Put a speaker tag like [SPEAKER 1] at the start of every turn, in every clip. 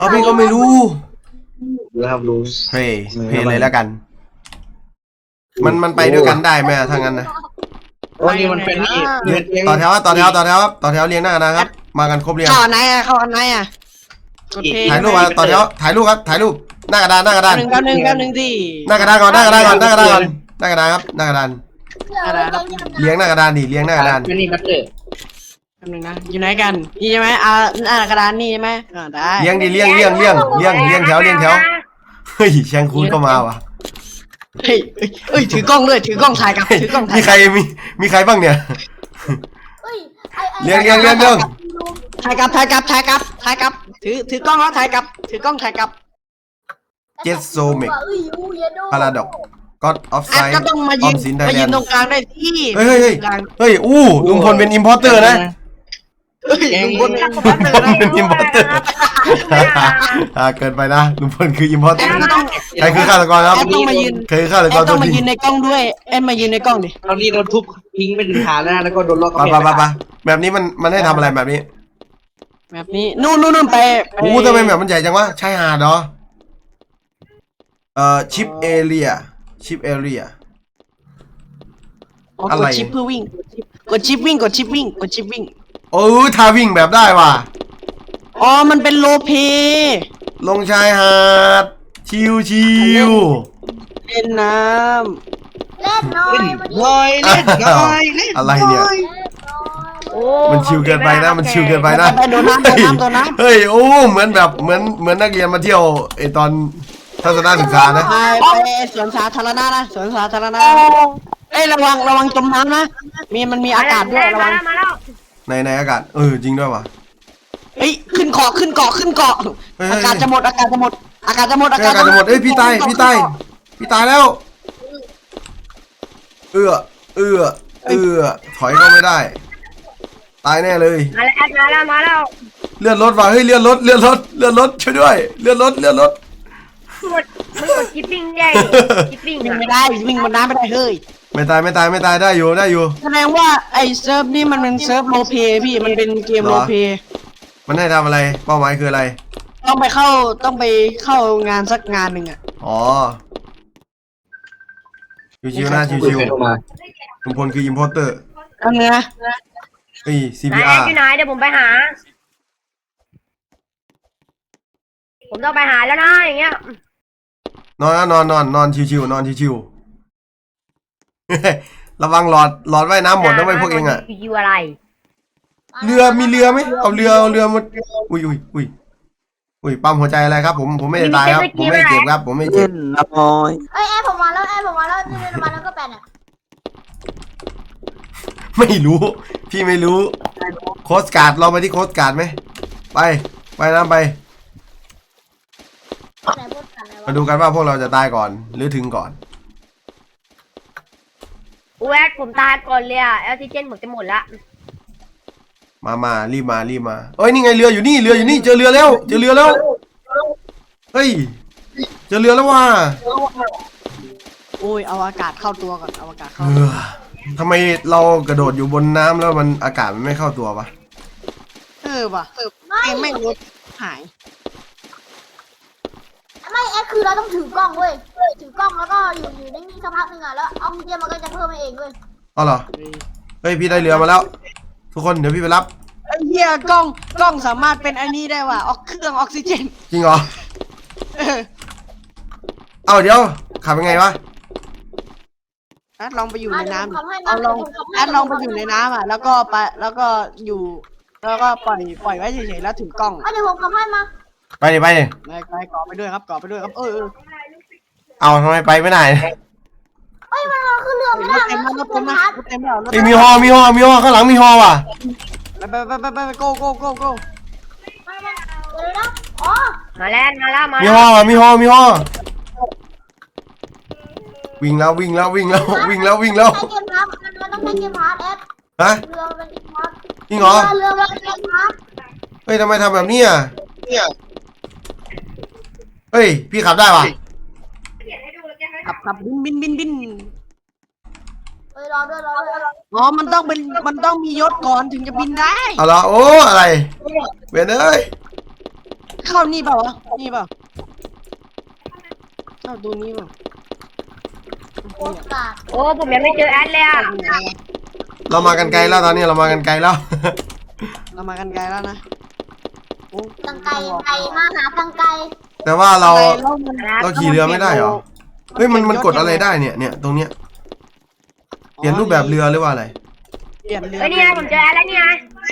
[SPEAKER 1] เอาพี่ก็ไม่รู้
[SPEAKER 2] รู้
[SPEAKER 1] เพย์เลยแล้วกัน มันไปด้วยกันได้ไหมถ้างั้นนะ
[SPEAKER 2] โอ้นี่มันเป็นนี่
[SPEAKER 1] ต่อแถวครับต่อแถวเรียงหน้ากระดานครับมากันครบเรียง
[SPEAKER 3] เข้าอันไหนอ่ะเข้าอันไหนอ่ะกดเพลง
[SPEAKER 1] ถ่ายรูปมาต่อแถวถ่ายรูปครับถ่ายรูปหน้ากระดาน
[SPEAKER 3] แป๊บนึงสิ
[SPEAKER 1] หน้ากระดานก่อนหน้ากระดานครับหน้ากระดานเลี้ยงหน้ากระดานดิเลี้ยงหน้ากระดาน
[SPEAKER 2] นี่มันเตอร์
[SPEAKER 3] แป๊บนึงนะอยู่ไหนกันนี่ใช่ไหมหน้ากระดานนี่ใช่ไหมได้
[SPEAKER 1] เลี้ยงดิเลี้ยงแถวเฮ้ยแชงคูนก็มาว่ะ
[SPEAKER 3] เฮ้ยถือกล้องด้วยถือกล้องถ่ายกับถือกล้องถ่าย
[SPEAKER 1] มีใครมีใครบ้างเนี่ยเลี้ยง
[SPEAKER 3] ถ่ายกับถือกล้องแล้วถ่ายกับถือกล้องถ่ายกับ
[SPEAKER 1] เจสโซเมกพาราดอกก็ออฟไซ
[SPEAKER 3] แอด
[SPEAKER 1] ด์
[SPEAKER 3] ก็ต้องมา
[SPEAKER 1] อ
[SPEAKER 3] ยื
[SPEAKER 1] อน มสินไทย
[SPEAKER 3] มา
[SPEAKER 1] แล
[SPEAKER 3] ยื
[SPEAKER 1] น
[SPEAKER 3] น
[SPEAKER 1] ด์
[SPEAKER 3] ตรงกลางได้ที่
[SPEAKER 1] เฮ้ยอู้ลุงพลเป็นอิมพอร์เตอร์นะ
[SPEAKER 3] ลุงพลเป็น
[SPEAKER 1] ลุงพลเป็นอิมพอร์เตอร์เกินไปนะลุงพลคืออิมพอร์เต
[SPEAKER 3] แอ
[SPEAKER 1] อ
[SPEAKER 3] ด
[SPEAKER 1] ร์
[SPEAKER 3] ก็ต้อง
[SPEAKER 1] ใครคือฆาตกรครับ
[SPEAKER 3] แอดต้องมายืน
[SPEAKER 1] ใครคือฆาตก
[SPEAKER 3] แอ
[SPEAKER 1] ร
[SPEAKER 3] ด
[SPEAKER 1] ตั
[SPEAKER 3] ต้อ
[SPEAKER 1] ว
[SPEAKER 3] งมา
[SPEAKER 1] จริ
[SPEAKER 3] ยื
[SPEAKER 1] ง
[SPEAKER 3] นในกล้องด้วยแอดมายืนในกล้องดิ
[SPEAKER 2] ตอนนี้โดนทุบทิ้งไปถึงฐานแล้วแล้วก็โดนล็อก
[SPEAKER 1] ไปแบบนี้มันให้ทำอะไรแบบนี้
[SPEAKER 3] แบบนี้นู่นไป
[SPEAKER 1] โอ้ทำไมแบบมันใหญ่จังวะชายหาดเหรอชิปเอเรียอะไร
[SPEAKER 3] กดชิปเพื่อวิ่งกดชิปวิ่ง
[SPEAKER 1] ท่าวิ่งแบบได้ว่ะ
[SPEAKER 3] อ๋อมันเป็นโลเพ
[SPEAKER 1] ลงชายหาดชิว
[SPEAKER 3] เล่นน้
[SPEAKER 4] เล่นน้อย
[SPEAKER 2] ลอยเล่นลอยเล่น
[SPEAKER 1] อะไรเนี่ย
[SPEAKER 4] โอ้
[SPEAKER 1] มันชิวเกินไปนะมันชิวเกินไป
[SPEAKER 3] ำ
[SPEAKER 1] นะ
[SPEAKER 3] ไปโดนน้ำ
[SPEAKER 1] เฮ้ยโอ้เหมือนแบบเหมือนนักเรียนมาเที่ยวไอตอนทัศนศึกษานะ
[SPEAKER 3] ไปสวนสาธารณะนะสวนสาธารณะเอ้ยระวังจมน้ำนะมันมีอากาศด้วยระวัง
[SPEAKER 4] มาแล้ว
[SPEAKER 1] ในอากาศจริงด้วยว่ะ
[SPEAKER 3] เฮ้ยขึ้นเกาะอากาศจะหมด
[SPEAKER 1] อากาศจะหมดเอ้ยพี่ตายแล้วเอื้อถอยก็ไม่ได้ตายแน่เลย
[SPEAKER 4] มาแล้ว
[SPEAKER 1] เลื่อนรถว่ะเฮ้ยเลื่อนรถช่วยด้วยเลื่อนรถ
[SPEAKER 4] มึงกดคิปปิ้งได้คิปปิ้ง
[SPEAKER 3] วิ่งไม่ได้วิ่งบนน้ำไม่ได้เฮ้ย
[SPEAKER 1] ไม่ตายได้อยู่
[SPEAKER 3] แสดงว่าไอ้เซิร์ฟนี่มันเป็นเซิร์ฟโรลเพลย์พี่มันเป็นเกมโรลเพลย์
[SPEAKER 1] มันให้ทำอะไรเป้าหมายคืออะไร
[SPEAKER 3] ต้องไปเข้างานสักงานหนึ่งอ่ะ
[SPEAKER 1] อ๋อชิวๆนะชิวๆลุงพลคืออิมพอร์เตอร์
[SPEAKER 3] อันเนี้ย
[SPEAKER 1] เฮ้ย
[SPEAKER 4] ไหน
[SPEAKER 1] CPR
[SPEAKER 4] อยู่ไหนเดี๋ยวผมไปหา ผมต้องไปหาแล้วนะอย่างเงี้ย
[SPEAKER 1] นอนชิวๆระวังหลอดว่ายน้ำหมดนะไว้พวกเองอ่ะ
[SPEAKER 4] อยู่อะไร
[SPEAKER 1] มีเรือไหมเอาเรือมาอุ้ยปั๊มหัวใจอะไรครับ ผมไม่ได้ตายครับผมไม่เจ็บครับผมไม่เจ็บ
[SPEAKER 3] น้อย
[SPEAKER 4] เอ้ยแอร์ผมมาแล้วนี่มาแล้วก็แปนอ่ะ
[SPEAKER 1] ไม่รู้พี่ไม่รู้โค้ชการ์ดเราไปที่โค้ชการ์ดไหมไปนะไป
[SPEAKER 4] ไหนพูดกันอะไร
[SPEAKER 1] มาดูกันว่าพวกเราจะตายก่อนหรือถึงก่อน
[SPEAKER 4] อูแอดผมตายก่อนเลยอ่ะออกซิเจนผมจะหมดละ
[SPEAKER 1] มารีบมาเอ้ยนี่ไงเรืออยู่นี่เจอเรือแล้วเฮ้ยเจอเรือแล้วว่ะ
[SPEAKER 3] โอ้ยเอาอากาศเข้าตัวก่อนเอาอากาศเข้า
[SPEAKER 1] ทำไมเรากระโดดอยู่บนน้ำแล้วมันอากาศมันไม่เข้าตัววะ
[SPEAKER 3] ว่ะเกมไม่งรถหาย
[SPEAKER 4] ไม่แอดคือเราต้องถือกล้องเว้ยถือกล้องแล้วก็อยู่นิ่งๆสักพักนึงอ่ะแล้วออกซิเจนมันก็จะเพิ่มเองเว้ย
[SPEAKER 1] อ๋อเหรอเฮ้ยพี่ได้เรือมาแล้ว ทุกคนเดี๋ยวพี่ไปรับ
[SPEAKER 3] ไอ้เหี้ยกล้องสามารถเป็นอันนี้ได้ว่ะเครื่องออกซิเจน
[SPEAKER 1] จริงเหรอเอาเดี๋ยวขับยังไงวะ
[SPEAKER 3] แอดลองไปอยู่ในน้ำ
[SPEAKER 4] เอา
[SPEAKER 3] เอาลองแอดลองไปอยู่ในน้ำอ่ะแล้วก็อยู่แล้วก็ปล่อยไว้เฉยๆแล้วถือกล้อง
[SPEAKER 4] เดี๋ยวผมขับให้มา
[SPEAKER 1] ไปดิ
[SPEAKER 3] ไปเกาะไปด้วยครับ
[SPEAKER 1] เอาทำไมไปไม่ได้
[SPEAKER 4] เอ้ยมันขึ้นเรือไม่
[SPEAKER 3] ร
[SPEAKER 4] ได้
[SPEAKER 3] ถเต็มแล้วรถเต็มแล้ว
[SPEAKER 1] ไอ้ยมีฮอข้างหลังมีฮอว่ะ
[SPEAKER 3] ไปโก้
[SPEAKER 4] เดี๋ยวนะอ๋อมาแล้ว
[SPEAKER 1] มีฮอว่ะมีฮอวิ่งแล้ว
[SPEAKER 4] ใช้เกมพาร์ทมันต้องใช้เกมพาร์ทแอด
[SPEAKER 1] ฮะ
[SPEAKER 4] เรือเป็นเกมพาร์ท
[SPEAKER 1] จริงเหรอ
[SPEAKER 4] เรือเป็นเกมพาร์ท
[SPEAKER 1] เฮ้ยทำไมทำแบบนี้อ่ะเฮ้ยพี่ขับได้ว่ะ
[SPEAKER 3] ขับบิน
[SPEAKER 4] เอ้ยรอด้วย
[SPEAKER 3] อ๋อมันต้องมียศก่อนถึงจะบินได้
[SPEAKER 1] เอาละโอ้อะไรเวนเอ้ย
[SPEAKER 3] เข้านี่เปล่าวะนี่เปล่าเข้าตัวนี้เปล่า
[SPEAKER 4] โคตรกาด
[SPEAKER 5] โอ้ผมยังไม่เจอแอดเลยอ่ะ
[SPEAKER 1] เรามากันไกลแล้วตอนนี้เรามากันไกลแล้ว
[SPEAKER 3] เรามากันไกลแล้วนะโอ้
[SPEAKER 4] ตังไกมาหาตังไก
[SPEAKER 1] แต่ว่าเรา
[SPEAKER 3] แล้วมัน
[SPEAKER 1] เราขี่เรือไม่ได้เหรอ เฮ้ยมันกดอะไรได้เนี่ยตรงเนี้ยเปลี่ยนรูปแบบเรือหรือว่าอะไร
[SPEAKER 3] เปลี่ยนเรือ
[SPEAKER 5] เฮ้ยนี่ไงผมเจอแอดแล้วนี่ไง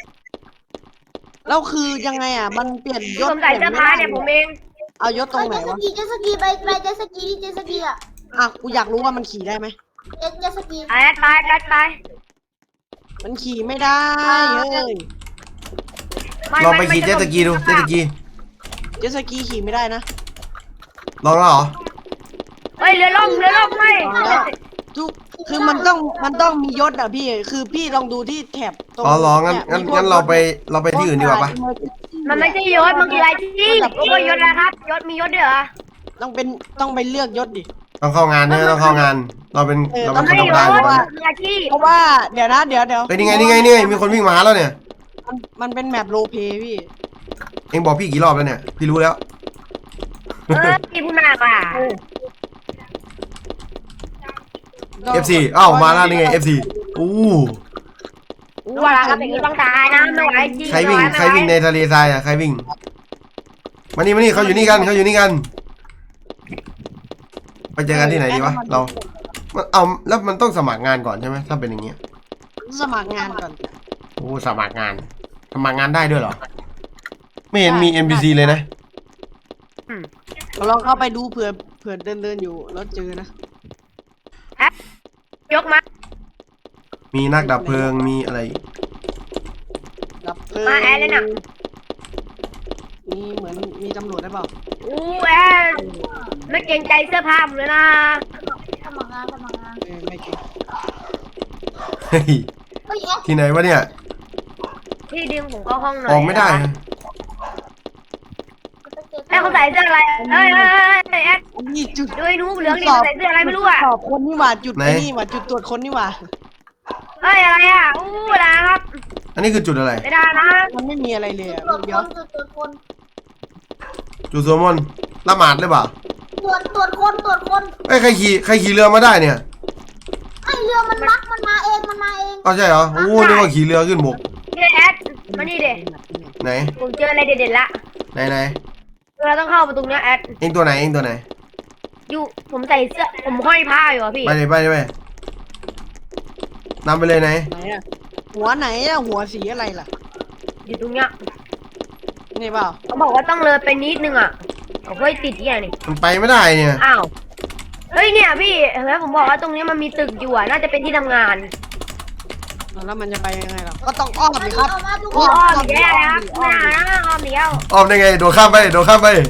[SPEAKER 3] แล้วคือยังไงอ่ะมันเปลี่ยนยศ
[SPEAKER 5] ผมใส่เสื้อผ้าเนี่ยผมเอง
[SPEAKER 3] เอายศตรงไหน
[SPEAKER 4] เจ
[SPEAKER 3] วะ
[SPEAKER 4] สกีไปเจสกีอ่ะ
[SPEAKER 3] อ่ะกูอยากรู้ว่ามันขี่ได้ไหม
[SPEAKER 4] เจสกี
[SPEAKER 5] แอดไป
[SPEAKER 3] มันขี่ไม่ได้เฮ้ย
[SPEAKER 1] ลองไปขี่เจ็ตสกีดูเจ็ตสกี
[SPEAKER 3] เจ็ตสกีขี่ไม่ได้นะ
[SPEAKER 1] ลองแล้วเหรอ
[SPEAKER 5] เฮ้ยเรือล่มไม่
[SPEAKER 3] ทุกคือมันต้องมียศอ่ะพี่คือพี่ลองดูที่แถบตรง
[SPEAKER 1] อ๋อลองงั้น
[SPEAKER 3] เนี่ยมีพวก
[SPEAKER 1] งั้นเราไปที่อื่นดีกว่าปะ
[SPEAKER 5] มันไม่ใช่ยศมันคืออะไรที่โอ้ยยศนะครับยศมียศด้วยเหรอ
[SPEAKER 3] ต้องไปเลือกยศดิ
[SPEAKER 1] ต้องเข้างานเนี่ยต้องเข้างาน เราเป็น
[SPEAKER 3] ต้อง
[SPEAKER 1] คน
[SPEAKER 5] ไม่
[SPEAKER 1] ธรรม
[SPEAKER 5] ย
[SPEAKER 1] ดาอยู่
[SPEAKER 5] ศ
[SPEAKER 1] แล้ว
[SPEAKER 5] คืออาชีพ
[SPEAKER 3] เพราะว่าเดี๋ยวนะเดี๋ยว
[SPEAKER 1] เฮ้ยนี่ไงมีคนวิ่งมาหาแล้วเนี่ย
[SPEAKER 3] มันเป็นแมปโรลเพลย์พี่
[SPEAKER 1] เอ็งบอกพี่กี่รอบแล้วเนี่ยพี่รู้แล้ว
[SPEAKER 5] พี่พูดมากอ่ะ
[SPEAKER 1] FC อ้าวมาแล้วนี่ไง FC อู้
[SPEAKER 5] ว่าแล้วครับอย่างนี้ต้องตายนะไม่ไหวจริง
[SPEAKER 1] ใครวิ่งในทะเลทรายอ่ะใครวิ่งมานี่เขาอยู่นี่กันไปเจอกันที่ไหนดีวะเราเอาแล้วมันต้องสมัครงานก่อนใช่ไหมถ้าเป็นอย่างเงี้ย
[SPEAKER 3] สมัครงานก่อน
[SPEAKER 1] โอ้สมัครงานได้ด้วยเหรอไม่เห็นมี NPC เลยนะ
[SPEAKER 3] ลองเข้าไปดูเผื่อเดินอยู่แล้วเจอนะ
[SPEAKER 5] ยกมา
[SPEAKER 1] มีนักดับเพลิงมีอะไร
[SPEAKER 3] ดับเพลิง
[SPEAKER 5] มาแอดเลยน่ะ
[SPEAKER 3] มีเหมือนมีตำรวจได้เปล่า
[SPEAKER 5] อู้แอดไม่เกรงใจเสื้อผ้าผมเลยนะ
[SPEAKER 4] สมัครงาน
[SPEAKER 3] ไม่เก่ง
[SPEAKER 1] เฮ้ย
[SPEAKER 4] เฮ้ย
[SPEAKER 1] ที่ไหนวะเนี่ย
[SPEAKER 5] พี่ดึงผมเข้าห้องหน่อย
[SPEAKER 1] ออกไม่ได้นะ
[SPEAKER 5] แม่เขาใส่เสื้ออะไรเอ้ยแอด
[SPEAKER 3] นี่จุด
[SPEAKER 5] ดูไอ้หนูเหลืองดิใส่เสื้ออะไรไม่รู้อ่ะ
[SPEAKER 3] สอบคนนี่หว่าจุดไอ้นี่หว่าจุดตรวจคนนี่หว่า
[SPEAKER 5] เฮ้ยอะไรอ่ะอู้นะครับ
[SPEAKER 1] อันนี้คือจุดอะไร
[SPEAKER 5] ไม่ได้นะ
[SPEAKER 3] มันไม่มีอะไรเลยอ่ะ
[SPEAKER 4] ตรวจ
[SPEAKER 3] เดี๋ยว
[SPEAKER 4] คน
[SPEAKER 1] จุดสวดมนต์ละหมาดหรือเปล่า
[SPEAKER 4] ตรวจคน
[SPEAKER 1] เอ้ยใครขี่เรือมาได้เนี่ย
[SPEAKER 4] ไอเรือมันบักมันมาเอง
[SPEAKER 1] อ้าวใช่เหรอโอ้นึกว่าขี่เรือขึ้นบก
[SPEAKER 5] นี่แอดมานี่เด็
[SPEAKER 1] ไหน
[SPEAKER 5] ผมเจออะไรเด็ดๆละ
[SPEAKER 1] ไหน
[SPEAKER 5] เราต้องเข้าประตูเนี้ยแอด
[SPEAKER 1] เอ็งตัวไหน
[SPEAKER 5] อยู่ผมใส่เสื้อผมห้อยผ้าอยู่อ่ะพี่
[SPEAKER 1] ไปเลยนำไปเลยไหน
[SPEAKER 3] ไหนอ่ะหัวไหนอ่ะหัวสีอะไรล่ะ
[SPEAKER 5] อยู่ตรงเนี้ย
[SPEAKER 3] นี่เปล่า
[SPEAKER 5] เขาบอกว่าต้องเลยไปนิดนึงอ่ะเขาเฮ้ยติดเนี่ยนี่
[SPEAKER 1] มันไปไม่ได้เนี่ย
[SPEAKER 5] อ้าวเฮ้ยเนี่ยพี่เห็นไหมผมบอกว่าตรงนี้มันมีตึกอยู่อ่ะน่าจะเป็นที่ทำงาน
[SPEAKER 3] แล้วมันจะไปยังไงล่ะก็ต้องอ้อมดิครับ
[SPEAKER 4] มาทุกค
[SPEAKER 5] อ้อน มอีกแล้วนะครับไม่ได้นะอ้อมเดียว
[SPEAKER 1] อ้อมได้ไงโดดข้ามไป
[SPEAKER 5] ไม่ได้ไม่ได้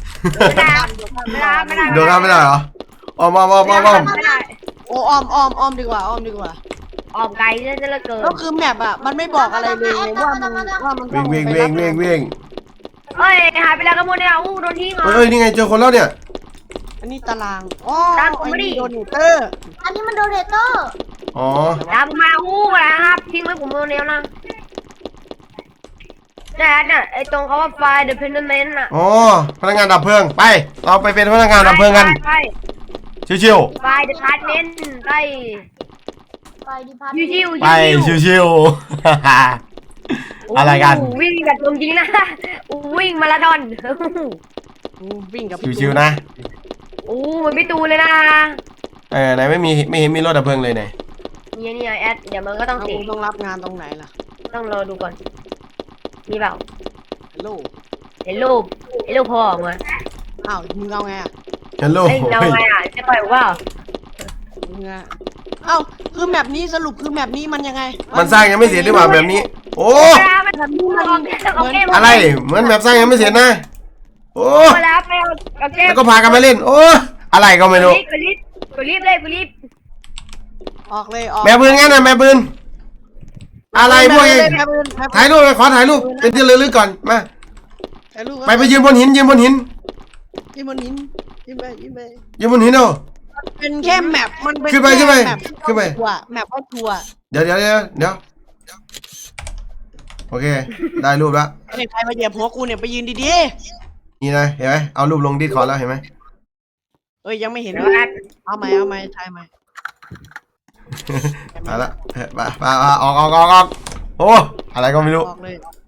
[SPEAKER 1] โดดข้ามไม่ได้เหรออ้อม
[SPEAKER 5] ไม่ได้
[SPEAKER 3] โอ้อ้อมดีกว่าอ้อมดีกว่า
[SPEAKER 5] ออกไกลซะเหลือเกิน
[SPEAKER 3] ก็คือแมปอ่ะมันไม่บอกอะไรเลยว่ามันต้อง
[SPEAKER 1] วิ่ง
[SPEAKER 3] ไปรับ
[SPEAKER 5] เฮ้ยหายไปแล้วกระมวลเนี่ยอู้โดนทิ้งเหรอ
[SPEAKER 1] เฮ้ยนี่ไงเจอคนแล้วเนี่ย
[SPEAKER 3] อันนี้ตารางอ๋อ
[SPEAKER 5] ตามผมมาดิ
[SPEAKER 3] โดนเตอร์
[SPEAKER 4] อันนี้มันโดเรเตอร์
[SPEAKER 1] อ๋อ
[SPEAKER 5] ตามมาอู้นะครับทิ้งไว้ผมโดนเนี้ยนะแต่น่ะไอ้ตรงเขาว่าไฟเดอะเพนเดเมนต์อ่ะ
[SPEAKER 1] อ๋อพนักงานดับเพลิงไปเราไปเป็นพนักงานดับเพลิงกัน
[SPEAKER 5] ไป
[SPEAKER 1] ชิว
[SPEAKER 5] ไฟเดอะพาร์ทเมนต์ไป
[SPEAKER 4] ไปดิพัท
[SPEAKER 5] ชิว
[SPEAKER 1] ๆไปชิวๆอะไรกัน
[SPEAKER 5] วิ่งแบบจริงนะวิ่งมาราธอน
[SPEAKER 3] วิ่งกับ
[SPEAKER 1] ชิวๆนะ
[SPEAKER 5] อู้มันไม่ตูเลยนะ
[SPEAKER 1] ไหนไม่เห็นมีรถดับเพลิงเลยไหน
[SPEAKER 5] เนี่ยแอดเดี๋ยวมันก็ต้อง
[SPEAKER 3] เอา
[SPEAKER 5] ติด
[SPEAKER 3] ต้องรับงานตรงไหนล่ะ
[SPEAKER 5] ต้องรอดูก่อนมีเปล่า
[SPEAKER 3] ฮัลโหล
[SPEAKER 5] เห็นรูปพ่อออกมา
[SPEAKER 3] อ้าวมึงเอาไงอ่ะ
[SPEAKER 1] ฮัลโหล
[SPEAKER 5] เฮ้ยเราไงอ่ะจะปล่อยว่า
[SPEAKER 3] มึงอ่ะเอ้าคือแมปนี้สรุปคือแมปนี้มันยังไง
[SPEAKER 1] มันสร้างยังไม่เสร็จหรือเปล่าแบบนี้ โอ้
[SPEAKER 3] แบบนี้มัน
[SPEAKER 1] อะไรเหมือนแบบสร้างยังไม่เสร็จนะโอ้
[SPEAKER 5] แล้วไปเอาเกม
[SPEAKER 1] แล้วก็พากันมาเล่น โอ้อะไรก็ไม่รู้
[SPEAKER 5] กูรีบเลยกูรีบ
[SPEAKER 3] ออกเลยออก
[SPEAKER 1] แม่ปืนงั้นนะแม่ปืนอะไรพวกเอง
[SPEAKER 3] แม่ปืน
[SPEAKER 1] ถ่ายรูปเลยขอถ่ายรูปเป็นที่ระลึกก่อนมา
[SPEAKER 3] ถ่ายรูป
[SPEAKER 1] ไปยืนบนหินยืนบนหิน
[SPEAKER 3] ยิ้มบนหินยิ้มไป
[SPEAKER 1] ยืนบนหินเอา
[SPEAKER 3] เป็นแค่แมปมันเป็น
[SPEAKER 1] ขึ้นไป
[SPEAKER 3] แค่แมป
[SPEAKER 1] ขึ้นไป
[SPEAKER 3] ทัวร์แมปว่าทัวร์
[SPEAKER 1] เดี๋ยวโอเค ได้รูปแล้ว
[SPEAKER 3] ไอ้ใครมาเหยียบหัวกูเนี่ยไปยืนดี
[SPEAKER 1] นี่นะเห็นไหมเอารูปลงดิสคอร์ดแล้วเห็นไหม
[SPEAKER 3] ๆเอ้ยยังไม่เห็น
[SPEAKER 5] เดี๋ยวนะ
[SPEAKER 3] เอาไหมถ่ายไหม
[SPEAKER 1] มาละไปออกโอ้อะไรก็ไม่รู้
[SPEAKER 3] ออกเลย